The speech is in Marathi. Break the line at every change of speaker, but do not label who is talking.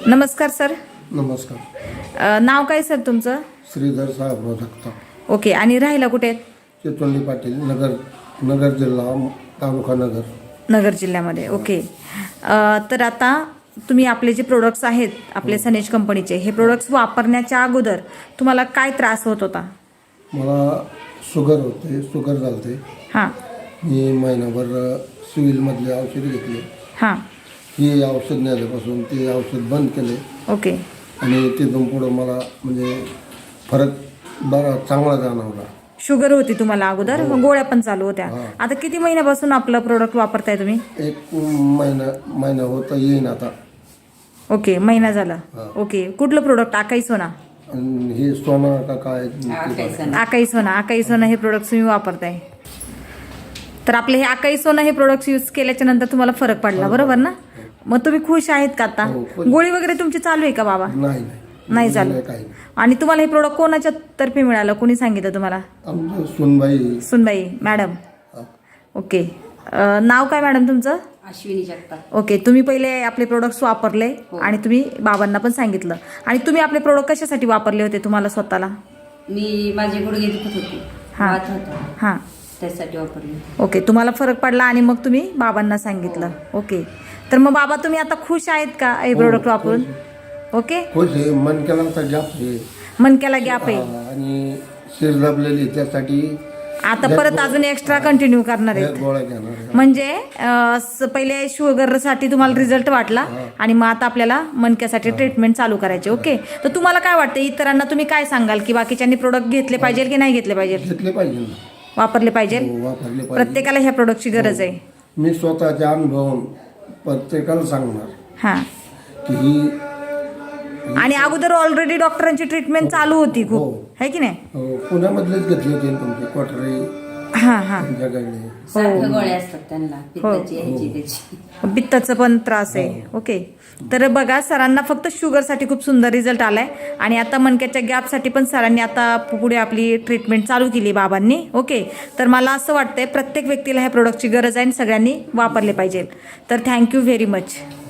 नमस्कार सर.
नमस्कार.
नाव काय सर तुमचं?
श्रीधर साहेबराव जगताप.
ओके. आणि राहायला कुठे आहेत?
चितोंडी पाटील, नगर जिल्हा, तालुका
नगर जिल्ह्यामध्ये. ओके. तर आता तुम्ही आपले जे प्रोडक्ट्स आहेत आपले सनेज कंपनीचे, हे प्रोडक्ट्स वापरण्याच्या अगोदर तुम्हाला काय त्रास होत होता?
मला शुगर झालते.
हां
मी महिनाभर सिव्हिलमधले औषध घेतले.
हां.
ही औषध नेल्यापासून ते औषध बंद केले.
ओके.
आणि तिथून पुढं मला म्हणजे फरक बरा चांगला जाणवला.
शुगर होती तुम्हाला अगोदर, गोळ्या पण चालू होत्या. आता किती महिन्यापासून आपलं प्रोडक्ट वापरताय तुम्ही?
एक महिना होता येईन आता.
ओके, महिना झाला. ओके. कुठलं प्रोडक्ट? आकाई सोना.
आणि हे सोना का काय?
आकाई सोना हे प्रोडक्ट तुम्ही वापरताय. तर आपले हे आकाई सोना हे प्रोडक्ट यूज केल्याच्या नंतर तुम्हाला फरक पडला, बरोबर ना? मग तुम्ही खुश आहेत का आता? गोळी वगैरे तुमची चालू आहे का बाबा? नाही चालू. आणि तुम्हाला हे प्रोडक्ट कोणाच्या तर्फे मिळालं? कोणी सांगितलं तुम्हाला? सुनबाई मॅडम. ओके. नाव काय मॅडम तुमचं?
अश्विनी जगताप.
ओके. तुम्ही पहिले आपले प्रोडक्ट्स वापरले आणि तुम्ही बाबांना पण सांगितलं. आणि तुम्ही आपले प्रोडक्ट कशासाठी वापरले होते तुम्हाला स्वतःला?
मी माझे गुडघे दुखत होते, वात होता,
हां,
त्यासाठी वापरले.
ओके. तुम्हाला फरक पडला आणि मग तुम्ही बाबांना सांगितलं. ओके. तर मग बाबा तुम्ही आता खुश आहेत का हे प्रोडक्ट वापरून? ओके.
खुश आहे. मनक्याला गॅप आहे.
मनक्याला गॅप आहे
आणि शिर दाबलेली, त्यासाठी
आता परत अजून एक्स्ट्रा कंटिन्यू करणार आहे.
गोळ्या घेणार.
म्हणजे पहिले शुगरसाठी तुम्हाला रिझल्ट वाटला आणि मग आता आपल्याला मनक्यासाठी ट्रीटमेंट चालू करायची. ओके. तर तुम्हाला काय वाटतं, इतरांना तुम्ही काय सांगाल की बाकीच्यांनी प्रोडक्ट घेतले पाहिजे की नाही घेतले पाहिजे?
घेतले पाहिजे,
वापरले पाहिजे.
वापरले पाहिजे.
प्रत्येकाला ह्या प्रोडक्टची गरज आहे.
मी स्वतःच्या अनुभव प्रत्येकाला सांगणार
हां.
की ही
आणि अगोदर ऑलरेडी डॉक्टरांची ट्रीटमेंट चालू होती खूप, है की नाही?
पुण्यामधलेच घेतले होते तुमचे क्वार्टरी.
हां हां.
सारखं गोळ्या असतात त्यांना, पित्ताची ह्याची त्याची.
पित्ताचा पण त्रास आहे. ओके. तर बघा, सरांना फक्त शुगरसाठी खूप सुंदर रिझल्ट आलाय आणि आता मणक्याच्या गॅपसाठी पण सरांनी आता पुढे आपली ट्रीटमेंट चालू केली बाबांनी. ओके. तर मला असं वाटतंय प्रत्येक व्यक्तीला ह्या प्रोडक्टची गरज आहे आणि सगळ्यांनी वापरले पाहिजे. तर थँक्यू व्हेरी मच.